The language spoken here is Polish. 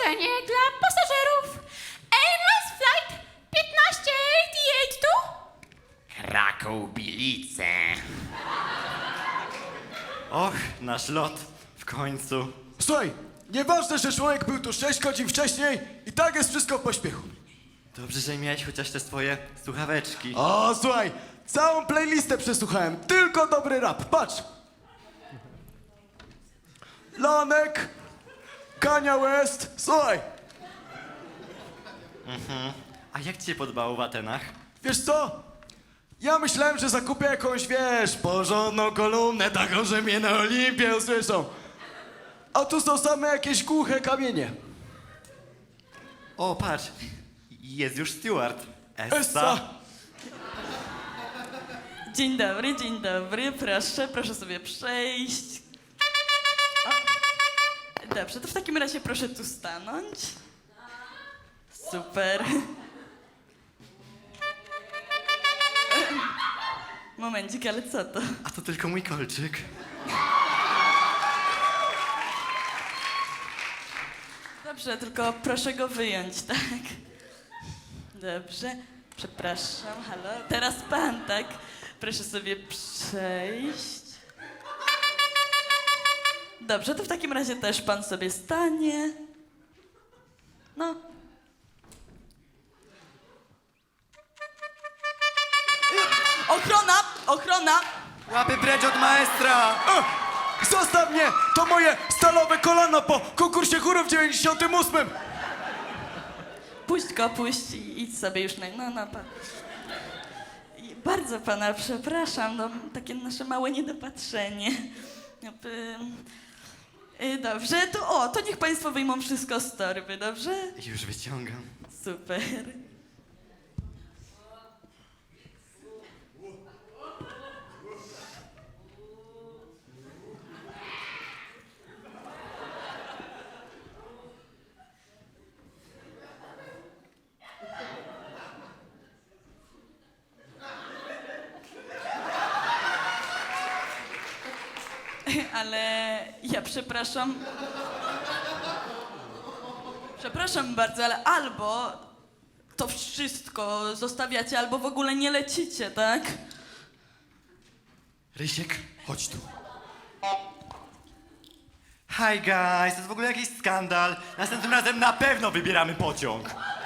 Ostrzeżenie dla pasażerów. Airlines Flight 1588 tu? Kraków-Bilice. Och, nasz lot. W końcu. Słuchaj, nieważne, że człowiek był tu 6 godzin wcześniej i tak jest wszystko w pośpiechu. Dobrze, że miałeś chociaż te swoje słuchaweczki. O, słuchaj, całą playlistę przesłuchałem, tylko dobry rap, patrz. Lanek, Kanye West, słuchaj. A jak ci się podobało w Atenach? Wiesz co? Ja myślałem, że zakupię jakąś, wiesz, porządną kolumnę, taką, że mnie na Olimpię usłyszą. A tu są same jakieś głuche kamienie. O, patrz. Jest już steward. Essa. Dzień dobry, proszę sobie przejść. O. Dobrze, to w takim razie proszę tu stanąć. Super. Momencik, ale co to? A to tylko mój kolczyk. Dobrze, tylko proszę go wyjąć, tak? Dobrze, przepraszam, halo. Teraz pan, tak? Proszę sobie przejść. Dobrze, to w takim razie też pan sobie stanie. No. Ochrona! Łapy precz od maestra! Zostaw mnie! To moje stalowe kolano po konkursie chórów w 98. Puść go, puść i idź sobie już no, pan. I bardzo pana przepraszam, no, takie nasze małe niedopatrzenie. Dobrze, to niech państwo wyjmą wszystko z torby, dobrze? Już wyciągam. Super. Ale ja przepraszam. Przepraszam bardzo, ale albo to wszystko zostawiacie, albo w ogóle nie lecicie, tak? Rysiek, chodź tu. Hi guys, to jest w ogóle jakiś skandal. Następnym razem na pewno wybieramy pociąg.